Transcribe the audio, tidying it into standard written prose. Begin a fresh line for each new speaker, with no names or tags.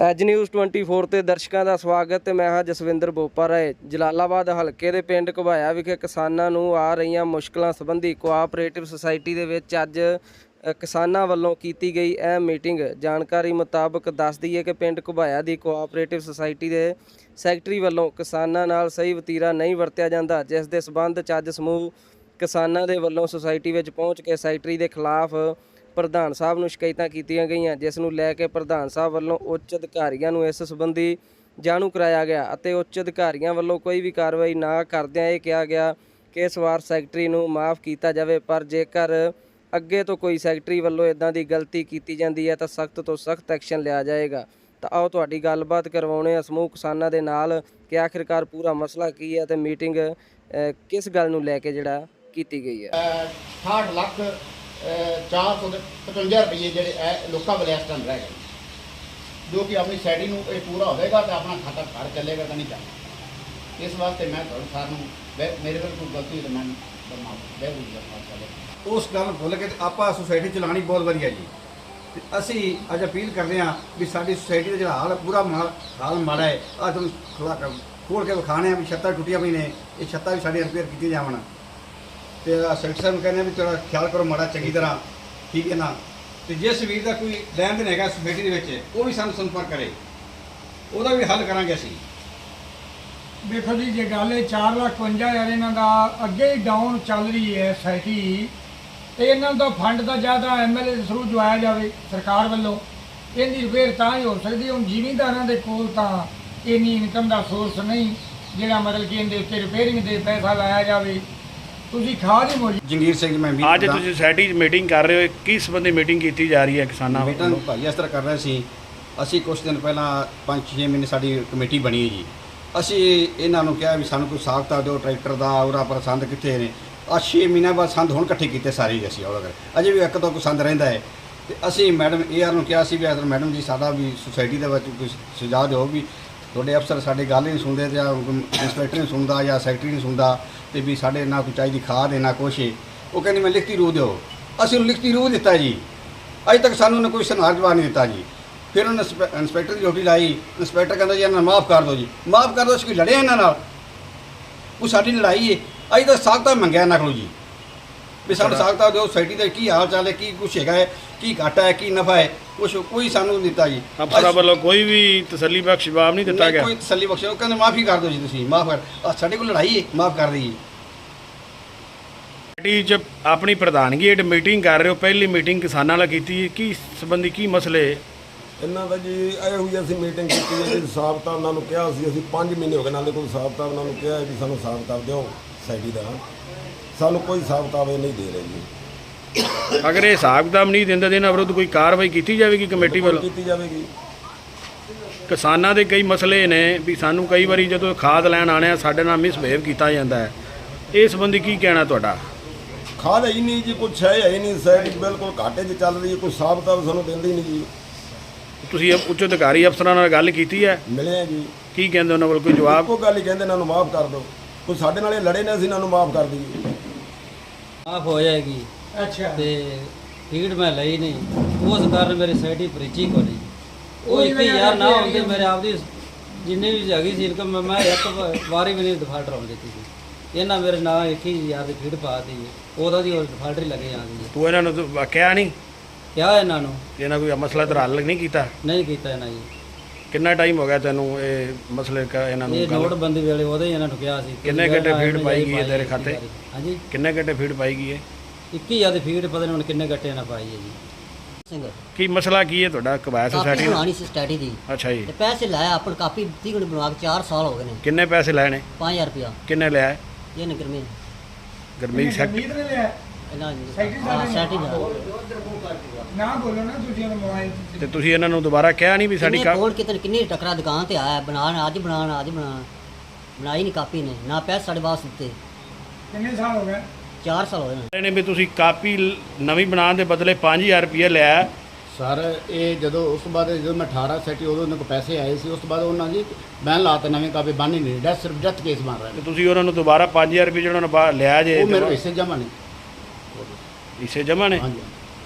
As news 24 ਤੇ ਦਰਸ਼ਕਾਂ ਦਾ ਸਵਾਗਤ ਤੇ ਮੈਂ ਹਾਂ ਜਸਵਿੰਦਰ ਬੋਪਾ ਰਾਏ। ਜਲਾਲਾਬਾਦ ਹਲਕੇ ਦੇ ਪਿੰਡ ਘੁਬਾਇਆ ਵਿਖੇ ਕਿਸਾਨਾਂ ਨੂੰ ਆ ਰਹੀਆਂ ਮੁਸ਼ਕਲਾਂ ਸੰਬੰਧੀ ਕੋਆਪਰੇਟਿਵ ਸੁਸਾਇਟੀ ਦੇ ਵਿੱਚ ਅੱਜ ਕਿਸਾਨਾਂ ਵੱਲੋਂ ਕੀਤੀ ਗਈ ਇਹ ਮੀਟਿੰਗ। ਜਾਣਕਾਰੀ ਮੁਤਾਬਕ ਦੱਸਦੀ ਹੈ ਕਿ ਪਿੰਡ ਘੁਬਾਇਆ ਦੀ ਕੋਆਪਰੇਟਿਵ ਸੁਸਾਇਟੀ ਦੇ ਸੈਕਟਰੀ ਵੱਲੋਂ ਕਿਸਾਨਾਂ ਨਾਲ ਸਹੀ ਵਤੀਰਾ ਨਹੀਂ ਵਰਤਿਆ ਜਾਂਦਾ, ਜਿਸ ਦੇ ਸਬੰਧ 'ਚ ਅੱਜ ਸਮੂਹ ਕਿਸਾਨਾਂ ਦੇ ਵੱਲੋਂ ਸੁਸਾਇਟੀ ਵਿੱਚ ਪਹੁੰਚ ਕੇ ਸੈਕਟਰੀ ਦੇ ਖਿਲਾਫ ਪ੍ਰਧਾਨ ਸਾਹਿਬ ਨੂੰ ਸ਼ਿਕਾਇਤਾਂ ਕੀਤੀਆਂ ਗਈਆਂ, ਜਿਸ ਨੂੰ ਲੈ ਕੇ ਪ੍ਰਧਾਨ ਸਾਹਿਬ ਵੱਲੋਂ ਉੱਚ ਅਧਿਕਾਰੀਆਂ ਨੂੰ ਇਸ ਸੰਬੰਧੀ ਜਾਣੂ ਕਰਾਇਆ ਗਿਆ ਅਤੇ ਉੱਚ ਅਧਿਕਾਰੀਆਂ ਵੱਲੋਂ ਕੋਈ ਵੀ ਕਾਰਵਾਈ ਨਾ ਕਰਦਿਆਂ ਇਹ ਕਿਹਾ ਗਿਆ ਕਿ ਇਸ ਵਾਰ ਸੈਕਟਰੀ ਨੂੰ ਮਾफ़ ਕੀਤਾ ਜਾਵੇ, ਪਰ ਜੇਕਰ ਅੱਗੇ ਤੋਂ ਕੋਈ ਸੈਕਟਰੀ ਵੱਲੋਂ ਇਦਾਂ ਦੀ ਗਲਤੀ ਕੀਤੀ ਜਾਂਦੀ ਹੈ ਤਾਂ ਸਖਤ ਤੋਂ ਸਖਤ ਐਕਸ਼ਨ ਲਿਆ ਜਾਏਗਾ। ਤਾਂ ਆਓ ਤੁਹਾਡੀ ਗੱਲਬਾਤ ਕਰਵਾਉਣੇ ਆ ਸਮੂਹ ਕਿਸਾਨਾਂ ਦੇ ਨਾਲ ਕਿ ਆਖਿਰਕਾਰ ਪੂਰਾ ਮਸਲਾ ਕੀ ਹੈ ਤੇ ਮੀਟਿੰਗ ਕਿਸ ਗੱਲ ਨੂੰ ਲੈ ਕੇ ਜਿਹੜਾ ਕੀਤੀ ਗਈ ਹੈ।
68 ਲੱਖ 455 ਰੁਪਏ ਜਿਹੜੇ ਲੋਕਾਂ ਕੋਲ ਇਸ ਟਾਈਮ ਰਹਿ ਗਏ, ਜੋ ਕਿ ਆਪਣੀ ਸੈਟੀ ਨੂੰ ਇਹ ਪੂਰਾ ਹੋਵੇਗਾ ਤਾਂ ਆਪਣਾ ਖਾਤਾ ਘਰ ਚੱਲੇਗਾ ਤਾਂ ਨਹੀਂ ਚੱਲਦਾ। ਇਸ ਵਾਸਤੇ ਮੈਂ ਤੁਹਾਨੂੰ ਸਾਰਿਆਂ ਨੂੰ ਮੇਰੇ ਕੋਲ ਕੋਈ ਗਲਤੀ ਤਾਂ ਮੈਂ
ਉਸ ਗੱਲ ਭੁੱਲ ਕੇ ਆਪਾਂ ਸੁਸਾਇਟੀ ਚਲਾਉਣੀ ਬਹੁਤ ਵਧੀਆ ਜੀ। ਤੇ ਅਸੀਂ ਅੱਜ ਅਪੀਲ ਕਰਦੇ ਹਾਂ ਵੀ ਸਾਡੀ ਸੁਸਾਇਟੀ ਦਾ ਜਿਹੜਾ ਹਾਲ ਪੂਰਾ ਹਾਲ ਮਾੜਾ ਹੈ। ਅੱਜ ਤੁਹਾਨੂੰ ਖੋਲ੍ਹ ਕੇ ਵਿਖਾਣੇ ਆ ਵੀ ਛੱਤਾਂ ਟੁੱਟੀਆਂ ਪਈਆਂ ਨੇ, ਇਹ ਛੱਤਾਂ ਵੀ ਸਾਡੀਆਂ ਰਿਪੇਅਰ ਕੀਤੀਆਂ ਜਾਵਣ। ਤੇ ਸੈਕਟਰੀ ਸਾਹਿਬ ਨੂੰ ਕਹਿੰਦੇ ਆ ਵੀ ਥੋੜ੍ਹਾ ਖਿਆਲ ਕਰੋ ਮਾੜਾ ਚੰਗੀ ਤਰ੍ਹਾਂ, ਠੀਕ ਹੈ ਨਾ। ਤੇ ਜਿਸ ਵੀਰ ਦਾ ਕੋਈ ਲੈਣ ਦੇਣ ਹੈਗਾ ਸੁਸਾਇਟੀ ਦੇ ਵਿੱਚ ਉਹ ਵੀ ਸਾਨੂੰ ਸੰਪਰਕ ਕਰੇ, ਉਹਦਾ ਵੀ ਹੱਲ ਕਰਾਂਗੇ ਅਸੀਂ।
ਦੇਖੋ ਜੀ, ਜੇ ਗੱਲ 4,52,000 ਇਹਨਾਂ ਦਾ ਅੱਗੇ ਹੀ ਡਾਊਨ ਚੱਲ ਰਹੀ ਹੈ ਸੁਸਾਇਟੀ, ਤੇ ਇਹਨਾਂ ਦਾ ਫੰਡ ਦਾ ਜ਼ਿਆਦਾ ਐਮਐਲਏ ਦੇ ਥਰੂ ਜਵਾਇਆ ਜਾਵੇ ਸਰਕਾਰ ਵੱਲੋਂ, ਇਹਦੀ ਰਿਪੇਅਰ ਤਾਂ ਹੀ ਹੋ ਸਕਦੀ। ਹੁਣ ਜ਼ਿਮੀਂਦਾਰਾਂ ਦੇ ਕੋਲ ਤਾਂ ਇੰਨੀ ਇਨਕਮ ਦਾ ਸੋਰਸ ਨਹੀਂ ਜਿਹੜਾ ਮਤਲਬ ਕਿ ਇਹਦੇ ਉੱਤੇ ਰਿਪੇਅਰਿੰਗ ਦੇ ਪੈਸਾ ਲਾਇਆ ਜਾਵੇ। ਤੁਸੀਂ ਖਾਦ ਹੀ ਮੋਜੀ
ਜੰਗੀਰ ਸਿੰਘ ਮੈਂ ਵੀ
ਅੱਜ ਤੁਸੀਂ ਸੁਸਾਇਟੀ 'ਚ ਮੀਟਿੰਗ ਕਰ ਰਹੇ ਹੋ, ਕਿਸ ਸੰਬੰਧੀ ਮੀਟਿੰਗ ਕੀਤੀ ਜਾ ਰਹੀ ਹੈ ਕਿਸਾਨਾਂ
ਮੀਟਿੰਗ
ਵੱਲੋਂ?
ਭਾਈ ਇਸ ਤਰ੍ਹਾਂ ਕਰ ਰਹੇ ਸੀ। ਅਸੀਂ ਕੁਛ ਦਿਨ ਪਹਿਲਾਂ 5-6 ਮਹੀਨੇ ਸਾਡੀ ਕਮੇਟੀ ਬਣੀ ਹੈ ਜੀ। ਅਸੀਂ ਇਹਨਾਂ ਨੂੰ ਕਿਹਾ ਵੀ ਸਾਨੂੰ ਕੋਈ ਹਿਸਾਬ ਕਿਤਾਬ ਦਿਓ ਟਰੈਕਟਰ ਦਾ, ਉਹਦਾ ਪਰ ਸੰਦ ਕਿੱਥੇ ਨੇ। 6 ਮਹੀਨਿਆਂ ਬਾਅਦ ਸੰਦ ਹੁਣ ਇਕੱਠੇ ਕੀਤੇ ਸਾਰੇ ਹੀ ਅਸੀਂ ਉਹਦਾ ਅਜੇ ਵੀ ਇੱਕ ਤੋਂ ਕੋਈ ਸੰਦ ਰਹਿੰਦਾ ਹੈ। ਤੇ ਅਸੀਂ ਮੈਡਮ AR ਨੂੰ ਕਿਹਾ ਸੀ ਵੀ ਮੈਡਮ ਜੀ ਸਾਡਾ ਵੀ ਸੁਸਾਇਟੀ ਦੇ ਵਿੱਚ ਕੋਈ ਸੁਝਾਅ ਦਿਓ ਵੀ ਤੁਹਾਡੇ ਅਫਸਰ ਸਾਡੀ ਗੱਲ ਹੀ ਨਹੀਂ ਸੁਣਦੇ, ਜਾਂ ਇੰਸਪੈਕਟਰ ਨਹੀਂ ਸੁਣਦਾ ਜਾਂ ਸੈਕਟਰੀ ਨਹੀਂ ਸੁਣਦਾ, ਤੇ ਵੀ ਸਾਡੇ ਨਾ ਕੋਈ ਚਾਹੀਦੀ ਖਾਦ ਹੈ ਨਾ ਕੁਛ ਹੈ। ਉਹ ਕਹਿੰਦੇ ਮੈਂ ਲਿਖਤੀ ਰੂਹ ਦਿਓ। ਅਸੀਂ ਉਹਨੂੰ ਲਿਖਤੀ ਰੂਹ ਦਿੱਤਾ ਜੀ, ਅਜੇ ਤੱਕ ਸਾਨੂੰ ਉਹਨੇ ਕੋਈ ਸੁਨਾਰ ਜਵਾਬ ਨਹੀਂ ਦਿੱਤਾ ਜੀ। ਫਿਰ ਉਹਨੇ ਇੰਸਪੈਕਟਰ ਦੀ ਡਿਊਟੀ ਲਾਈ। ਇੰਸਪੈਕਟਰ ਕਹਿੰਦਾ ਜੀ ਇਹਨਾਂ ਨੂੰ ਮਾफ़ ਕਰ ਦਿਓ ਜੀ, ਮਾफ़ ਕਰ ਦਿਓ। ਅਸੀਂ ਕੋਈ ਲੜਿਆ ਇਹਨਾਂ ਨਾਲ, ਉਹ ਸਾਡੀ ਲੜਾਈ ਹੈ। ਅਜੇ ਤਾਂ ਸਾਖਤਾ ਮੰਗਿਆ ਇਹਨਾਂ ਕੋਲੋਂ ਜੀ ਵੀ ਸਾਨੂੰ ਸਾਖਤਾ ਦਿਓ, ਸੁਸਾਇਟੀ ਦਾ ਕੀ ਹਾਲ ਚਾਲ ਹੈ, ਕੀ ਕੁਛ ਹੈਗਾ ਹੈ, ਕੀ ਘਾਟਾ ਹੈ, ਕੀ ਨਫਾ ਹੈ, ਕੁਛ ਕੋਈ ਸਾਨੂੰ ਨਹੀਂ ਦਿੱਤਾ ਜੀ।
ਅਫਸਰਾਂ ਵੱਲੋਂ ਕੋਈ ਵੀ ਤਸੱਲੀ ਬਖਸ਼ ਜਵਾਬ ਨਹੀਂ ਦਿੱਤਾ ਗਿਆ।
ਕੋਈ ਤਸੱਲੀ ਬਖਸ਼, ਉਹ ਕਹਿੰਦੇ ਮਾफ़ੀ ਕਰ ਦਿਓ ਜੀ, ਤੁਸੀਂ ਮਾफ़ ਕਰ, ਸਾਡੇ ਕੋਲ ਲੜਾਈ ਹੈ, ਮਾफ़ ਕਰ ਦਈਏ।
ਸੁਸਾਇਟੀ 'ਚ ਆਪਣੀ ਪ੍ਰਧਾਨਗੀ ਹੇਠ ਮੀਟਿੰਗ ਕਰ ਰਹੇ ਹੋ, ਪਹਿਲੀ ਮੀਟਿੰਗ ਕਿਸਾਨਾਂ ਨਾਲ ਕੀਤੀ, ਕੀ ਸੰਬੰਧੀ ਕੀ ਮਸਲੇ?
ਇਹਨਾਂ ਦਾ ਜੀ ਇਹੋ ਜਿਹੀ ਅਸੀਂ ਮੀਟਿੰਗ ਕੀਤੀ ਹੈ ਜੀ। ਹਿਸਾਬ ਕਿਤਾਬ ਉਹਨਾਂ ਨੂੰ ਕਿਹਾ ਸੀ, ਅਸੀਂ 5 ਮਹੀਨੇ ਹੋ ਗਏ ਨਾਲੇ ਕੋਈ ਹਿਸਾਬ ਕਿਤਾਬ ਉਹਨਾਂ ਨੂੰ ਕਿਹਾ ਹੈ ਵੀ ਸਾਨੂੰ ਹਿਸਾਬ ਕਿਤਾਬ ਦਿਓ ਸੁਸਾਇਟੀ ਦਾ। ਸਾਨੂੰ ਕੋਈ ਹਿਸਾਬ ਕਿਤਾਬ ਇਹ ਨਹੀਂ ਦੇ ਰਹੇ ਜੀ।
ਅਗਰ ਇਹ ਹਿਸਾਬ ਕਿਤਾਬ ਨਹੀਂ ਦਿੰਦੇ ਤਾਂ ਇਹਨਾਂ ਵਿਰੁੱਧ ਕੋਈ ਕਾਰਵਾਈ ਕੀਤੀ ਜਾਵੇਗੀ ਕਮੇਟੀ ਵੱਲੋਂ?
ਕੀਤੀ ਜਾਵੇਗੀ।
ਕਿਸਾਨਾਂ ਦੇ ਕਈ ਮਸਲੇ ਨੇ ਵੀ ਸਾਨੂੰ ਕਈ ਵਾਰੀ ਜਦੋਂ ਖਾਦ ਲੈਣ ਆਉਂਦੇ ਆ ਸਾਡੇ ਨਾਲ ਮਿਸਬਿਹੇਵ ਕੀਤਾ ਜਾਂਦਾ ਹੈ, ਇਸ ਸੰਬੰਧੀ ਕੀ ਕਹਿਣਾ ਤੁਹਾਡਾ?
ਖਾਦ ਹੈ ਹੀ ਨਹੀਂ ਜੀ, ਕੁਛ ਹੈ ਹੀ ਨਹੀਂ। ਸੁਸਾਇਟੀ ਬਿਲਕੁਲ ਘਾਟੇ 'ਚ ਚੱਲ ਰਹੀ ਹੈ, ਕੋਈ ਹਿਸਾਬ ਕਿਤਾਬ ਸਾਨੂੰ ਦਿੰਦੇ ਹੀ ਨਹੀਂ ਜੀ।
ਤੁਸੀਂ ਉੱਚ ਅਧਿਕਾਰੀ ਅਫਸਰਾਂ ਨਾਲ ਗੱਲ ਕੀਤੀ ਹੈ?
ਮਿਲੇ ਆ ਜੀ।
ਕੀ ਕਹਿੰਦੇ ਉਹਨਾਂ ਵੱਲ ਕੋਈ ਜਵਾਬ?
ਇੱਕੋ ਗੱਲ ਹੀ ਕਹਿੰਦੇ ਇਹਨਾਂ ਨੂੰ ਮਾਫ਼ ਕਰ ਦਿਓ। ਕੋਈ ਸਾਡੇ ਨਾਲ ਇਹ ਲੜੇ ਨੇ, ਅਸੀਂ ਇਹਨਾਂ ਨੂੰ ਮਾਫ਼ ਕਰ ਦਈਏ।
ਮਾਫ ਹੋ ਜਾਏਗੀ।
ਅੱਛਾ,
ਤੇ ਫੀਡ ਮੈਂ ਲਈ ਨਹੀਂ, ਉਸ ਕਾਰਨ ਮੇਰੀ ਸੁਸਾਇਟੀ ਬ੍ਰਿਜੀ ਕੋ ਨਹੀਂ। ਉਹ 21,000 ਨਾ ਹੁੰਦੇ ਮੇਰੇ ਆਪਦੀ ਜਿੰਨੀ ਵੀ ਹੈਗੀ ਸੀ ਇਨਕਮ ਮੈਂ ਇੱਕ ਵਾਰੀ ਵੀ ਨਹੀਂ ਡਿਫਾਲਟਰ ਆਉਣ ਦਿੱਤੀ ਸੀ। ਇਹਨਾਂ ਮੇਰੇ ਨਾਲ 21,000 ਦੀ ਫੀਡ ਪਾ ਦਿੱਤੀ, ਉਹਦਾ ਦੀ ਹੋਰ ਡਿਫਾਲਟਰ ਹੀ ਲੱਗੇ ਜਾਂਦੀ ਹੈ।
ਤੂੰ ਇਹਨਾਂ ਨੂੰ ਕਿਹਾ ਨਹੀਂ?
ਕਿਹਾ ਇਹਨਾਂ ਨੂੰ,
ਇਹਨਾਂ ਕੋਈ ਮਸਲਾ ਤਾਂ ਹੱਲ ਨਹੀਂ ਕੀਤਾ?
ਨਹੀਂ ਕੀਤਾ ਇਹਨਾਂ ਜੀ।
ਕਿੰਨਾ ਟਾਈਮ ਹੋ ਗਿਆ ਤੈਨੂੰ ਇਹ ਮਸਲੇ ਇਹਨਾਂ ਨੂੰ?
ਇਹ ਨੋਟਬੰਦੀ ਵੇਲੇ ਉਹਦੇ ਹੀ ਇਹਨਾਂ ਨੂੰ ਕਿਹਾ ਸੀ।
ਕਿੰਨੇ ਘੰਟੇ ਫੀਡ ਪਾਈ ਗਈ ਹੈ ਤੇਰੇ ਖਾਤੇ?
ਹਾਂਜੀ,
ਕਿੰਨੇ ਘੰਟੇ ਫੀਡ ਪਾਈ ਗਈ ਹੈ?
21,000 ਦੀ ਫੀਡ ਪਤਾ ਨਹੀਂ ਹੁਣ ਕਿੰਨੇ ਗੱਟੇ ਨਾਲ ਪਾਈ ਹੈ ਜੀ।
ਸਿੰਘ
ਕੀ ਮਸਲਾ ਕੀ ਹੈ ਤੁਹਾਡਾ ਘੁਬਾਇਆ ਸੁਸਾਇਟੀ ਨਾਲ?
ਬਣਾਉਣੀ ਸੀ ਸਟੱਡੀ ਦੀ,
ਅੱਛਾ ਜੀ।
ਤੇ ਪੈਸੇ ਲਾਇਆ ਆਪਣ ਕਾਪੀ ਦਿੱਤੀ ਕੋਲ ਬਣਾ ਕੇ 4 ਸਾਲ ਹੋ ਗਏ ਨੇ।
ਕਿੰਨੇ ਪੈਸੇ ਲੈਣੇ?
5,000 ਰੁਪਇਆ
ਕਿੰਨੇ ਲਿਆ?
ਇਹ ਨਗਰ ਮੇ
ਗਰਮੀਤ ਸੈਕਟਰੀ
ਨੇ ਲਿਆ
ਇਹਨਾਂ
ਸੈਕਟਰੀ ਸਾਹਿਬ ਨੇ।
ਸੈਟੀ ਦਾ
ਨਾ ਬੋਲੋ ਨਾ ਤੁਸੀਂ ਉਹਨੂੰ ਮੋਬਾਈਲ 'ਚ।
ਤੇ ਤੁਸੀਂ ਇਹਨਾਂ ਨੂੰ ਦੁਬਾਰਾ ਕਿਹਾ ਨਹੀਂ ਵੀ ਸਾਡੀ
ਕਿੰਨੇ ਕੋਲ ਕਿੰਨੀ ਟੱਕਰਾ ਦੁਕਾਨ ਤੇ ਆਇਆ ਬਣਾਉਣ, ਅੱਜ ਬਣਾਈ ਨਹੀਂ ਕਾਪੀ ਨੇ, ਨਾ ਪੈਸੇ ਸਾਡੇ ਵਾਸ ਦਿੱਤੇ।
ਕਿੰਨੇ ਸਾਲ ਹੋ ਗਏ?
4 ਸਾਲ ਹੋ ਗਏ ਨੇ।
ਨੇ ਵੀ ਤੁਸੀਂ ਕਾਪੀ ਨਵੀਂ ਬਣਾਉਣ ਦੇ ਬਦਲੇ 5,000 ਰੁਪਏ ਲਿਆ?
ਸਰ ਇਹ ਜਦੋਂ ਉਸ ਤੋਂ ਬਾਅਦ ਜਦੋਂ ਮੈਂ 18 ਸੈਟੀ ਉਦੋਂ ਉਹਨਾਂ ਕੋਲ ਪੈਸੇ ਆਏ ਸੀ, ਉਸ ਤੋਂ ਬਾਅਦ ਉਹਨਾਂ ਜੀ ਬੈਨ ਲਾਤੇ ਨਵੇਂ ਕਾਪੀ ਬਣ ਹੀ ਨਹੀਂ ਰਿਹਾ, ਸਿਰਫ ਡੈਥ ਕੇਸ ਬਣ ਰਿਹਾ।
ਤੇ ਤੁਸੀਂ ਉਹਨਾਂ ਨੂੰ ਦੁਬਾਰਾ 5,000 ਰੁਪਏ ਜਿਹੜਾ ਉਹਨਾਂ ਲਿਆ ਜੇ
ਉਹ ਮੇਰੇ ਹਿੱਸੇ ਜਮ੍ਹਾਂ ਨਹੀਂ।
ਹਿੱਸੇ ਜਮ੍ਹਾਂ ਨੇ?
ਹਾਂਜੀ।